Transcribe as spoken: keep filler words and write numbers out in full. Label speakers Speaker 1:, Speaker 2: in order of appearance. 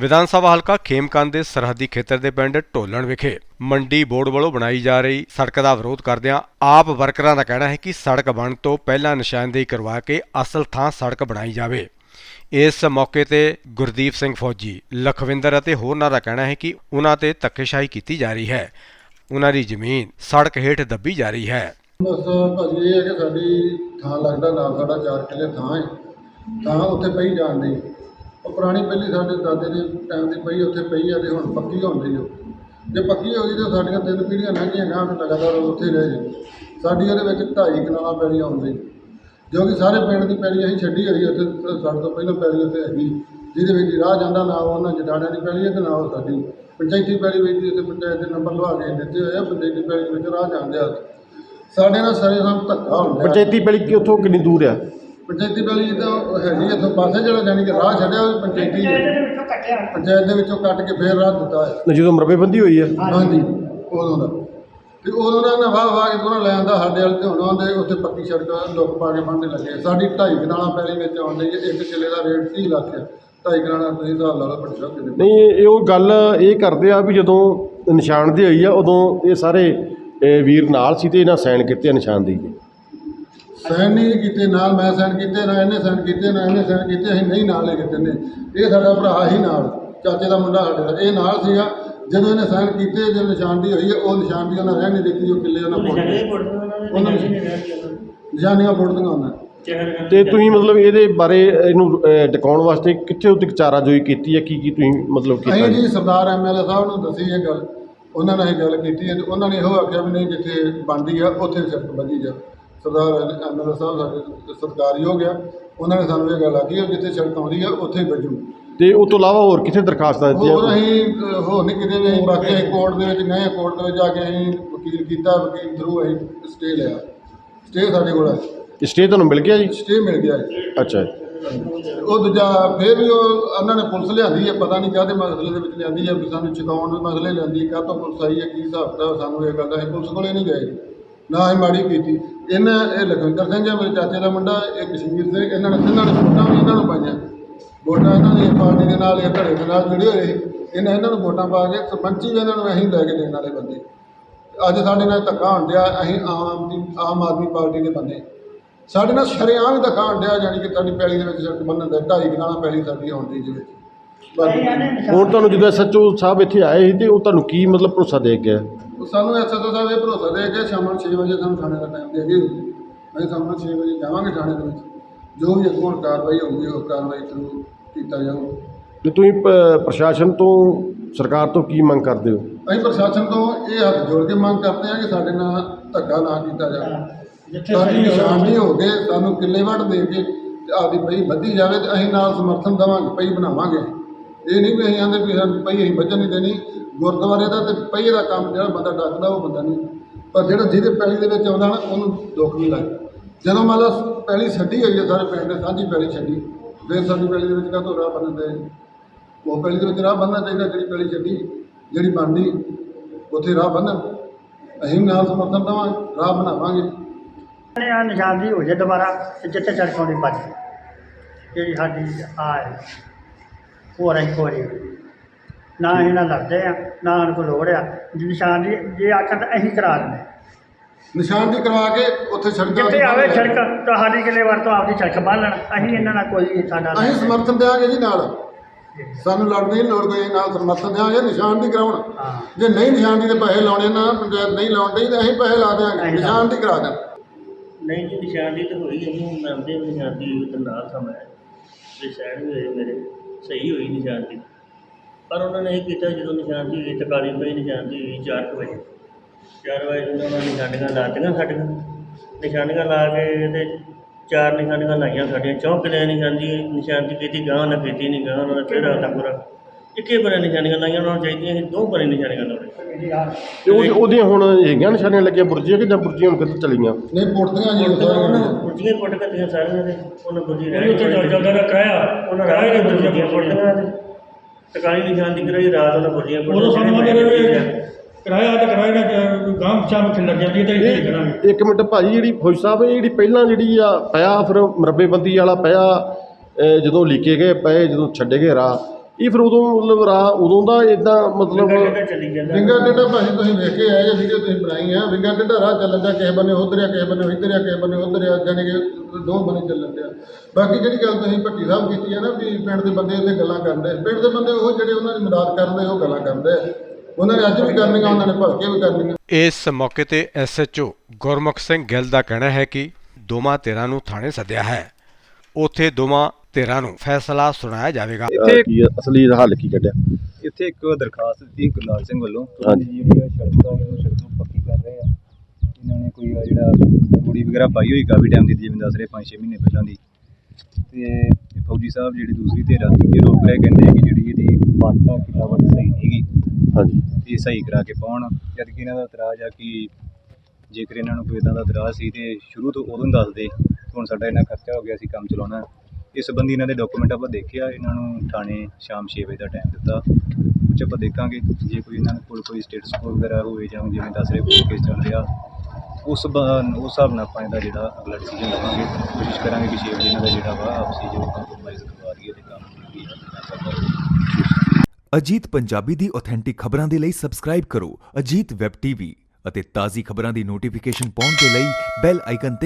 Speaker 1: विधान सभा हलका खेमकंद के सरहदी खेतर के पिंड ढोलण विखे मंडी बोर्ड वालों बनाई जा रही सड़क का विरोध करदिआं आप वर्करां का कहना है कि सड़क बनने तो पहला निशानदेही करवा के असल थां सड़क बनाई जाए। इस मौके ते गुरदीप सिंह फौजी लखविंदर अते होरनां दा कहना है कि उन्हां ते धक्केशाही की जा रही है, उन्हां दी जमीन सड़क हेठ दबी जा रही है।
Speaker 2: बस भाजी ये है कि साडी थां लगदा नाल साडा चार किले थां है, थां उत्थे पई जाण दी और पुरानी पहली साडे दादे दे टाइम दी पई उत्थे पई है ते हुण पक्की होण दी। जे पक्की हो गई तो साडियां तीन पीढ़ियां लंघीआं गांह ते लगातार उत्थे रह जी। साडी इहदे विच ढाई कनालां पैली आउंदी जो कि सारे पिंड की पैली असीं छड्डी होई उत्थे ਸਾਡੇ ਤੋਂ ਪਹਿਲਾਂ पैली उत्थे हैगी ਜਿਹਦੇ ਵਿੱਚ ਰਾਹ ਜਾਂਦਾ ਨਾ ਉਹਨਾਂ ਜਟਾਣਿਆਂ ਦੀ ਪੈਲੀ ਹੈ ਤੇ ਨਾ ਉਹ ਸਾਡੀ ਪੰਚਾਇਤੀ ਪੈਲੀ ਵਿੱਚ ਉੱਥੇ ਪੰਚਾਇਤ ਦੇ ਨੰਬਰ ਲਵਾ ਕੇ ਦਿੱਤੇ ਹੋਏ ਆ। ਪੰਚਾਇਤੀ ਪੈਲੀ ਵਿੱਚ ਰਾਹ ਜਾਂਦੇ ਆ ਸਾਡੇ ਨਾਲ ਸਾਰੇ ਸਾਨੂੰ ਧੱਕਾ ਹੁੰਦਾ।
Speaker 3: ਪੰਚਾਇਤੀ ਪੈਲੀ ਕਿ ਉੱਥੋਂ ਕਿੰਨੀ ਦੂਰ ਆ?
Speaker 2: ਪੰਚਾਇਤੀ ਪੈਲੀ ਤਾਂ ਹੈਗੀ ਇੱਥੋਂ ਪਾਸੇ ਜਿਹੜਾ ਜਾਣੀ ਕਿ ਰਾਹ ਛੱਡਿਆ ਉਹ ਪੰਚਾਇਤੀ ਪੰਚਾਇਤ ਦੇ ਵਿੱਚੋਂ ਕੱਟ ਕੇ ਫੇਰ ਰਾਹ ਦਿੱਤਾ ਹੈ
Speaker 3: ਜਦੋਂ ਮਰਬੇਬੰਦੀ ਹੋਈ ਹੈ।
Speaker 2: ਹਾਂਜੀ ਉਦੋਂ ਦਾ ਤੇ ਉਦੋਂ ਦਾ ਨਾ ਵਾਹ ਵਾਹ ਕੇ ਦੋਨਾਂ ਲੈ ਆਂਦਾ ਸਾਡੇ ਵਾਲੇ ਤੇ ਹੁਣ ਆਉਂਦੇ ਉੱਥੇ ਪੱਕੀ ਸੜਕ ਲੁੱਕ ਪਾ ਕੇ ਬੰਨ੍ਹਦੇ ਲੱਗੇ। ਸਾਡੀ ਢਾਈ ਕਨਾਲਾਂ ਪੈਲੀ ਵਿੱਚ ਆਉਂਦੀ ਹੈ, ਇੱਕ ਕਿੱਲੇ ਦਾ ਰੇਟ ਤੀਹ ਲੱਖ ਹੈ। ਢਾਈ ਕਨਾਲਾਂ ਤੁਸੀਂ ਹਿਸਾਬ ਲਾ ਲਓ ਬੜੀ ਸਭ ਕਿਤੇ
Speaker 3: ਨਹੀਂ ਇਹ ਉਹ ਗੱਲ ਇਹ ਕਰਦੇ ਆ ਵੀ ਜਦੋਂ ਨਿਸ਼ਾਨਦੇਹੀ ਹੋਈ ਆ ਉਦੋਂ ਇਹ ਸਾਰੇ ਇਹ ਵੀਰ ਨਾਲ ਸੀ ਤੇ ਇਹਨਾਂ ਸਾਈਨ ਕੀਤੇ ਆ ਨਿਸ਼ਾਨਦੇਹੀ ਦੇ।
Speaker 2: ਸਾਈਨ ਨਹੀਂ ਕੀਤੇ ਨਾਲ, ਮੈਂ ਸਾਈਨ ਕੀਤੇ ਨਾ ਇਹਨੇ ਸਾਈਨ ਕੀਤੇ ਨਾ ਇਹਨੇ ਸਾਈਨ ਕੀਤੇ, ਅਸੀਂ ਨਹੀਂ ਨਾਲ ਲੈ ਕੇ ਦਿੰਦੇ। ਇਹ ਸਾਡਾ ਭਰਾ ਹੀ ਨਾਲ ਚਾਚੇ ਦਾ ਮੁੰਡਾ ਸਾਡੇ ਦਾ ਇਹ ਨਾਲ ਸੀਗਾ ਜਦੋਂ ਇਹਨੇ ਸਾਈਨ ਕੀਤੇ। ਜਦੋਂ ਨਿਸ਼ਾਨਦੇਹੀ ਹੋਈ ਹੈ ਉਹ ਨਿਸ਼ਾਨਦੇਹੀ ਉਹਨਾਂ ਰਹਿਣ ਨਹੀਂ ਦਿੱਤੀ, ਉਹ ਕਿੱਲੇ ਉਹਨਾਂ ਉਹਨਾਂ ਨਿਸ਼ਾਨੀਆਂ ਪੁੱਟਦੀਆਂ ਉਹਨਾਂ।
Speaker 3: ਤੇ ਤੁਸੀਂ ਮਤਲਬ ਇਹਦੇ ਬਾਰੇ ਇਹਨੂੰ ਟਿਕਾਉਣ ਵਾਸਤੇ ਕਿੱਥੇ ਉੱਤੇ ਚਾਰਾਜੋਈ ਕੀਤੀ ਹੈ? ਕੀ ਕੀ ਤੁਸੀਂ ਮਤਲਬ ਕੀਤਾ?
Speaker 2: ਅਸੀਂ ਜੀ ਸਰਦਾਰ ਐਮ ਐਲ ਏ ਸਾਹਿਬ ਨੂੰ ਦੱਸੀ ਇਹ ਗੱਲ, ਉਹਨਾਂ ਨਾਲ ਇਹ ਗੱਲ ਕੀਤੀ ਹੈ ਤੇ ਉਹਨਾਂ ਨੇ ਇਹੋ ਆਖਿਆ ਵੀ ਨਹੀਂ ਜਿੱਥੇ ਬਣਦੀ ਆ ਉੱਥੇ ਸੜਕ ਵਧੀ ਜਾ। ਸਰਦਾਰ ਐਮ ਐਲ ਏ ਸਾਹਿਬ ਸਾਡੇ ਸਰਕਾਰੀ ਹੋ ਗਿਆ, ਉਹਨਾਂ ਨੇ ਸਾਨੂੰ ਇਹ ਗੱਲ ਆਖੀ ਹੈ ਜਿੱਥੇ ਸੜਕ ਆਉਂਦੀ ਆ ਉੱਥੇ ਵੱਜੂ।
Speaker 3: ਤੇ ਉਸ ਤੋਂ ਇਲਾਵਾ ਹੋਰ ਕਿੱਥੇ ਦਰਖਾਸਤਾਂ ਦਿੱਤੀਆਂ?
Speaker 2: ਹੋਰ ਅਸੀਂ ਹੋਰ ਨਹੀਂ ਕਿਤੇ ਵੀ ਅਸੀਂ ਬਾਕੀ ਅਸੀਂ ਕੋਰਟ ਦੇ ਵਿੱਚ ਗਏ, ਕੋਰਟ ਦੇ ਵਿੱਚ ਜਾ ਕੇ ਅਸੀਂ ਵਕੀਲ ਕੀਤਾ, ਵਕੀਲ ਥਰੂ ਅਸੀਂ ਸਟੇ ਲਿਆ। ਸਟੇ ਸਾਡੇ ਕੋਲ ਹੈ।
Speaker 3: ਸਟੇ ਤੁਹਾਨੂੰ ਮਿਲ ਗਿਆ ਜੀ?
Speaker 2: ਸਟੇ ਮਿਲ ਗਿਆ ਹੈ।
Speaker 3: ਅੱਛਾ।
Speaker 2: ਉਹ ਦੂਜਾ ਫਿਰ ਵੀ ਉਹ ਉਹਨਾਂ ਨੇ ਪੁਲਿਸ ਲਿਆਂਦੀ ਹੈ, ਪਤਾ ਨਹੀਂ ਕਾਹਦੇ ਮਸਲੇ ਦੇ ਵਿੱਚ ਲਿਆਂਦੀ ਹੈ ਵੀ ਸਾਨੂੰ ਚੁਕਾਉਣ ਦੇ ਮਸਲੇ ਲਿਆਂਦੀ, ਕਾਹ ਤੋਂ ਪੁਲਿਸ ਆਈ ਹੈ ਕੀ ਹਿਸਾਬ ਦਾ ਸਾਨੂੰ ਇਹ ਗੱਲ ਦਾ। ਅਸੀਂ ਪੁਲਿਸ ਕੋਲੇ ਨਹੀਂ ਗਏ ਨਾ ਅਸੀਂ ਮਾੜੀ ਕੀਤੀ। ਇਹਨਾਂ ਇਹ ਲਖਵਿੰਦਰ ਸਿੰਘ ਹੈ ਮੇਰੇ ਚਾਚੇ ਦਾ ਮੁੰਡਾ, ਇਹ ਕਸ਼ਮੀਰ ਸਿੰਘ, ਇਹਨਾਂ ਨੇ ਤਿੰਨਾਂ ਨੇ ਵੋਟਾਂ ਵੀ ਇਹਨਾਂ ਨੂੰ ਪਾਈਆਂ। ਵੋਟਾਂ ਇਹਨਾਂ ਦੀ ਪਾਰਟੀ ਦੇ ਨਾਲ ਇਹ ਧੜੇ ਦੇ ਨਾਲ ਜੁੜੇ ਹੋਏ, ਇਹਨਾਂ ਇਹਨਾਂ ਨੂੰ ਵੋਟਾਂ ਪਾ ਕੇ ਸਰਪੰਚੀ ਵੀ ਇਹਨਾਂ ਨੂੰ ਅਸੀਂ ਲੈ ਕੇ ਦੇਣ ਵਾਲੇ ਬੰਦੇ। ਅੱਜ ਸਾਡੇ ਨਾਲ ਧੱਕਾ ਹੋਣ ਡਿਆ, ਅਸੀਂ ਆਮ ਦੀ ਆਮ ਆਦਮੀ ਪਾਰਟੀ ਦੇ ਬੰਦੇ ਸਾਡੇ ਨਾਲ ਸ਼ਰੇਆਮ ਹੀ ਧੱਕਾ ਹੋਣ ਡਿਆ, ਜਾਣੀ ਕਿ ਸਾਡੀ ਪੈਲੀ ਦੇ ਵਿੱਚ ਸੜਕ ਬੰਨ੍ਹਣ ਦਾ ਢਾਈ ਕਨਾਲਾਂ ਪੈਲੀ ਸਾਡੀ ਹੋਣ ਦੀ ਜਿਹਦੇ ਵਿੱਚ।
Speaker 3: ਹੁਣ ਤੁਹਾਨੂੰ ਜਦੋਂ ਐਸ ਐਚ ਓ ਸਾਹਿਬ ਇੱਥੇ ਆਏ ਸੀ ਤੇ ਉਹ ਤੁਹਾਨੂੰ ਕੀ ਮਤਲਬ ਭਰੋਸਾ ਦੇ ਗਿਆ?
Speaker 2: ਸਾਨੂੰ ਐਸ ਐਚ ਓ ਸਾਹਿਬ ਇਹ ਭਰੋਸਾ ਦੇ ਕੇ ਸ਼ਾਮ ਨੂੰ ਛੇ ਵਜੇ ਸਾਨੂੰ ਥਾਣੇ ਦਾ ਟਾਈਮ ਦੇ ਗਏ। ਅਸੀਂ ਸ਼ਾਮ ਨੂੰ ਛੇ ਵਜੇ ਜਾਵਾਂਗੇ ਥਾਣੇ ਦੇ ਵਿੱਚ, ਜੋ ਵੀ ਅੱਗੋਂ ਕਾਰਵਾਈ ਹੋਊਗੀ ਉਹ ਕਾਰਵਾਈ ਥਰੂ ਕੀਤਾ ਜਾਊਗਾ।
Speaker 3: ਤੇ ਤੁਸੀਂ ਪ੍ਰਸ਼ਾਸਨ ਤੋਂ ਸਰਕਾਰ ਤੋਂ ਕੀ ਮੰਗ ਕਰਦੇ ਹੋ? ਅਸੀਂ
Speaker 2: ਪ੍ਰਸ਼ਾਸਨ ਤੋਂ ਇਹ ਹੱਥ ਜੋੜ ਕੇ ਮੰਗ ਕਰਦੇ ਹਾਂ ਕਿ ਸਾਡੇ ਨਾਲ ਧੱਕਾ ਨਾ ਕੀਤਾ ਜਾਵੇ। ਸਾਡੀ ਨਿਸ਼ਾਨਦੇਹੀ ਹੋ ਗਏ, ਸਾਨੂੰ ਕਿੱਲੇ ਵੱਢ ਦੇ ਕੇ ਆਪਦੀ ਪਈ ਵੱਧੀ ਜਾਵੇ ਤੇ ਅਸੀਂ ਨਾਲ ਸਮਰਥਨ ਦੇਵਾਂਗੇ, ਪਈ ਬਣਾਵਾਂਗੇ। ਇਹ ਨਹੀਂ ਵੀ ਅਸੀਂ ਆਂਦੇ ਵੀ ਸਾਨੂੰ ਪਈ ਅਸੀਂ ਵੱਜਣ ਨਹੀਂ ਦੇਣੀ। ਗੁਰਦੁਆਰੇ ਦਾ ਤੇ ਪਈ ਦਾ ਕੰਮ ਜਿਹੜਾ ਬੰਦਾ ਡੱਕਦਾ ਉਹ ਬੰਦਾ ਨਹੀਂ, ਪਰ ਜਿਹੜਾ ਜਿਹਦੇ ਪੈਲੀ ਦੇ ਵਿੱਚ ਆਉਂਦਾ ਨਾ ਉਹਨੂੰ ਦੁੱਖ ਨਹੀਂ ਲੱਗਦਾ। ਜਦੋਂ ਮੰਨ ਲਓ ਪੈਲੀ ਛੱਡੀ ਹੋਈ ਹੈ ਸਾਰੇ ਪਿੰਡ ਨੇ ਸਾਂਝੀ ਪੈਲੀ ਛੱਡੀ, ਫਿਰ ਸਾਡੀ ਪੈਲੀ ਦੇ ਵਿੱਚ ਕਾਹਤੋਂ ਰਾਹ ਬਣਦੇ? ਉਹ ਪੈਲੀ ਦੇ ਵਿੱਚ ਰਾਹ ਬੰਨ੍ਹਣਾ ਚਾਹੀਦਾ। ਜਿਹੜੀ ਪੈਲੀ ਛੱਡੀ ਜਿਹੜੀ ਬਣਦੀ ਉੱਥੇ ਰਾਹ ਬੰਨ੍ਹਣ, ਅਸੀਂ ਨਾਲ ਸਮਰਥਨ ਦੇਵਾਂਗੇ, ਰਾਹ ਬਣਾਵਾਂਗੇ।
Speaker 4: ਆ ਨਿਸ਼ਾਨਦੇਹੀ ਹੋ ਜਾਏ ਦੁਬਾਰਾ ਤੇ ਜਿੱਥੇ ਸੜਕ ਆਉਂਦੀ ਬਚ ਜਿਹੜੀ ਸਾਡੀ ਆ ਹੈ ਹੋਰ ਅਸੀਂ ਕੋਈ ਨਾ ਇਹਨਾਂ ਲੜਦੇ ਆ ਨਾ ਉਹਨਾਂ ਕੋਲ ਲੋੜ ਆ। ਨਿਸ਼ਾਨਦੇਹੀ ਜੇ ਆਖਣ ਤਾਂ ਅਸੀਂ ਕਰਾ ਦਿੰਦੇ,
Speaker 2: ਨਿਸ਼ਾਨਦੇਹੀ ਕਰਵਾ ਕੇ ਉੱਥੇ ਸੜਕ
Speaker 4: ਜਿੱਥੇ ਆਵੇ ਸੜਕ ਤੁਹਾਡੀ ਕਿਲੇ ਵਰ ਤੋਂ ਆਪਦੀ ਸੜਕ ਬੰਨ੍ਹ ਲੈਣ। ਅਸੀਂ ਇਹਨਾਂ ਨਾਲ ਕੋਈ ਸਾਡਾ
Speaker 2: ਅਸੀਂ ਸਮਰਥਨ ਦੇਵਾਂਗੇ ਜੀ ਨਾਲ, ਸਾਨੂੰ ਲੜਨ ਦੀ ਲੋੜ ਕੋਈ, ਨਾਲ ਸਮਰਥਨ ਦੇਵਾਂਗੇ। ਨਿਸ਼ਾਨਦੇਹੀ ਕਰਾਉਣ, ਜੇ ਨਹੀਂ ਨਿਸ਼ਾਨਦੇਹੀ ਦੇ ਪੈਸੇ ਲਾਉਣੇ ਨਾ ਪੰਚਾਇਤ ਨਹੀਂ ਲਾਉਣ ਡਈ ਤਾਂ ਅਸੀਂ ਪੈਸੇ ਲਾ ਦੇਵਾਂਗੇ, ਨਿਸ਼ਾਨਦੇਹੀ ਕਰਾ ਦੇਣ।
Speaker 5: नहीं जी निशानदेही तो हुई है, मंनते निशानदेही हुई तो नाल समय भी सैन भी हुए मेरे सही हुई निशानदेही, पर उन्होंने ये किया जो निशानदेही हुई तकाली पई निशानदेही हुई चार कुछ बजे चार बजे उन्होंने निशानियां लातियां साडियां निशानियां ला के चार निशानियां लाइया साडियां चौं किले निशानदेही निशानदेही की गांह ना की नहीं गांह उन्होंने फिर आता पूरा ਇੱਕੇ ਬਣੇ ਨਿਸ਼ਾਨੀਆਂ ਲਾਈਆਂ ਉਹਨਾਂ ਨੂੰ ਚਾਹੀਦੀਆਂ ਸੀ ਦੋ ਬਣੇ ਨਿਸ਼ਾਨੀਆਂ ਲਾਉਣੇ।
Speaker 3: ਤੇ ਉਹ ਉਹਦੀਆਂ ਹੁਣ ਹੈਗੀਆਂ ਨਿਸ਼ਾਨੀਆਂ ਲੱਗੀਆਂ ਬੁਰਜੀਆਂ ਕਿ ਜਾਂ ਬੁਰਜੀਆਂ ਹੁਣ ਕਿੱਧਰ ਚਲੀਆਂ?
Speaker 2: ਨਹੀਂ ਪੁੱਟਦੀਆਂ ਜੀ
Speaker 5: ਉਹਨਾਂ ਬੁਰਜੀਆਂ ਪੁੱਟ ਕੱਟੀਆਂ ਸਾਰੀਆਂ ਦੇ ਉਹਨਾਂ ਬੁਰਜੀ ਰਹਿ
Speaker 4: ਚੱਲਦਾ ਦਾ ਕਰਾਇਆ
Speaker 5: ਉਹਨਾਂ ਰਾਹ ਦੇ ਬੁਰਜੀਆਂ ਪੁੱਟਦੀਆਂ ਤੇ ਟਕਾਲੀ ਨਿਸ਼ਾਨ ਦੀ ਕਰਾਈ ਰਾਤ ਉਹਨਾਂ ਬੁਰਜੀਆਂ ਪੁੱਟ
Speaker 4: ਉਦੋਂ ਸਾਨੂੰ ਕਰਾਇਆ ਤਾਂ ਕਰਾਇਆ ਨਾ ਗਾਂਹ ਚਾਹ ਖਿੰਡ ਜਾਂਦੀ ਤਾਂ ਇਹ ਕਰਾਂਗੇ।
Speaker 3: ਇੱਕ ਮਿੰਟ ਭਾਜੀ, ਜਿਹੜੀ ਫੌਜੀ ਸਾਹਿਬ ਇਹ ਜਿਹੜੀ ਪਹਿਲਾਂ ਜਿਹੜੀ ਆ ਪਿਆ ਫਿਰ ਮਰਬੇਬੰਦੀ ਵਾਲਾ ਪਿਆ ਜਦੋਂ ਲੀਕੇ ਗਏ ਪਏ ਜਦੋਂ ਛੱਡੇ ਗਏ ਰਾਹ, ਇਹ ਫਿਰ ਉਦੋਂ ਮਤਲਬ ਰਾਹ ਉਦੋਂ ਦਾ ਇਦਾਂ ਮਤਲਬ
Speaker 5: ਕਿੱਦਾਂ ਚੱਲੀ ਜਾਂਦਾ
Speaker 2: ਵਿੰਗਾ ਟੇਢਾ ਭਾਜੀ ਤੁਸੀਂ ਵੇਖ ਕੇ ਆਏ ਜੇ ਵੀਡੀਓ ਤੁਸੀਂ ਬਣਾਈ ਆ ਵਿੰਗਾ ਟੇਢਾ ਰਾਹ ਚੱਲਣ ਦਾ ਕਿਸੇ ਬੰਨੇ ਉਧਰ ਆ ਕਿਸੇ ਬੰਨੇ ਇੱਧਰ ਆ ਕਿਸੇ ਬੰਨੇ ਉਧਰ ਆ ਜਾਣੀ ਕਿ ਦੋ ਬੰਨੇ ਚੱਲਣ ਡਿਆ। ਬਾਕੀ ਜਿਹੜੀ ਗੱਲ ਤੁਸੀਂ ਭੱਟੀ ਸਾਹਿਬ ਕੀਤੀ ਹੈ ਨਾ ਵੀ ਪਿੰਡ ਦੇ ਬੰਦੇ ਇੱਥੇ ਗੱਲਾਂ ਕਰਦੇ ਪਿੰਡ ਦੇ ਬੰਦੇ ਉਹ ਜਿਹੜੇ ਉਹਨਾਂ ਦੀ ਮਦਦ ਕਰਦੇ ਉਹ ਗੱਲਾਂ ਕਰਦੇ ਆ ਉਹਨਾਂ ਨੇ ਅੱਜ ਵੀ ਕਰਨੀਆਂ ਉਹਨਾਂ ਨੇ ਭਲਕੇ ਵੀ ਕਰਨੀਆਂ।
Speaker 1: ਇਸ ਮੌਕੇ ਤੇ S H O Gurmukh Singh Gill ਦਾ ਕਹਿਣਾ ਹੈ ਕਿ ਦੋਵਾਂ ਧਿਰਾਂ ਨੂੰ ਥਾਣੇ ਸੱਦਿਆ ਹੈ, ਉੱਥੇ ਦੋਵਾਂ ਧਿਰਾਂ ਨੂੰ ਫੈਸਲਾ ਸੁਣਾਇਆ ਜਾਵੇਗਾ।
Speaker 3: ਅਹ, ਕੀ ਅਸਲੀ ਹੱਲ ਕੀ ਕੱਢਿਆ?
Speaker 6: ਇੱਥੇ ਇੱਕ ਦਰਖਾਸਤ ਦਿੱਤੀ ਗੁਰਲਾਲ ਸਿੰਘ ਵੱਲੋਂ
Speaker 3: ਹਾਂਜੀ।
Speaker 6: ਜਿਹੜੀ ਆ ਸੜਕ ਆ ਉਹ ਸੜਕ ਨੂੰ ਪੱਕੀ ਕਰ ਰਹੇ ਆ। ਇਹਨਾਂ ਨੇ ਕੋਈ ਆ ਜਿਹੜਾ ਰੂੜੀ ਵਗੈਰਾ ਪਾਈ ਹੋਈ ਕਾਫੀ ਟਾਈਮ ਦੀ, ਜਿਵੇਂ ਦੱਸ ਰਹੇ ਪੰਜ ਛੇ ਮਹੀਨੇ ਪਹਿਲਾਂ ਦੀ। ਤੇ ਫੌਜੀ ਸਾਹਿਬ ਜਿਹੜੀ ਦੂਸਰੀ ਧਿਰ ਆ ਇਹ ਰੋਕ ਰਹੇ, ਕਹਿੰਦੇ ਕਿ ਜਿਹੜੀ ਇਹਦੀ ਵੱਟ ਆ ਕਿੱਲਾ ਵੱਟ ਸਹੀ ਨਹੀਂ ਗੀ,
Speaker 3: ਹਾਂਜੀ
Speaker 6: ਇਹ ਸਹੀ ਕਰਾ ਕੇ ਪਾਉਣ। ਜਦ ਕਿ ਇਹਨਾਂ ਦਾ ਇਤਰਾਜ਼ ਆ ਕਿ ਜੇਕਰ ਇਹਨਾਂ ਨੂੰ ਕੋਈ ਇੱਦਾਂ ਦਾ ਇਤਰਾਜ਼ ਸੀ ਤੇ ਸ਼ੁਰੂ ਤੋਂ ਉਦੋਂ ਹੀ ਦੱਸਦੇ, ਹੁਣ ਸਾਡਾ ਇੰਨਾ ਖਰਚਾ ਹੋ ਗਿਆ ਸੀ ਕੰਮ ਚਲਾਉਣਾ। ਇਸ ਸੰਬੰਧੀ ਇਹਨਾਂ ਦੇ ਡਾਕੂਮੈਂਟ ਆਪਾਂ ਦੇਖਿਆ, ਇਹਨਾਂ ਨੂੰ ਥਾਣੇ ਸ਼ਾਮ ਛੇ ਵਜੇ ਦਾ ਟਾਈਮ ਦਿੱਤਾ, ਕੁਛ ਆਪਾਂ ਦੇਖਾਂਗੇ ਜੇ ਕੋਈ ਇਹਨਾਂ ਕੋਲ ਕੋਈ ਸਟੇਟਸ ਵਗੈਰਾ ਹੋਵੇ ਜਾਂ ਜਿਵੇਂ ਦੱਸ ਰਹੇ ਕੋਰਟ ਕੇਸ ਚੱਲ ਰਿਹਾ, ਉਸ ਬ ਉਸ ਹਿਸਾਬ ਨਾਲ ਆਪਾਂ ਇਹਦਾ ਜਿਹੜਾ ਅਗਲਾ ਡਿਸੀਜਨ ਲਵਾਂਗੇ। ਕੋਸ਼ਿਸ਼ ਕਰਾਂਗੇ ਕਿ ਛੇ ਵਜੇ ਇਹਨਾਂ ਦਾ ਜਿਹੜਾ ਵਾ ਆਪਸੀ ਜੋ ਕੰਪਰੋਮਾਈਜ਼ ਕਰਵਾ ਦਈਏ ਤੇ ਕੰਮ ਕੀ ਹੈ।
Speaker 7: ਅਜੀਤ ਪੰਜਾਬੀ ਦੀ ਆਥੈਂਟਿਕ ਖਬਰਾਂ ਦੇ ਲਈ ਸਬਸਕ੍ਰਾਈਬ ਕਰੋ ਅਜੀਤ ਵੈਬ ਟੀਵੀ ਅਤੇ ਤਾਜ਼ੀ ਖਬਰਾਂ ਦੀ ਨੋਟੀਫਿਕੇਸ਼ਨ ਪਾਉਣ ਦੇ ਲਈ ਬੈਲ ਆਈਕਨ ਤੇ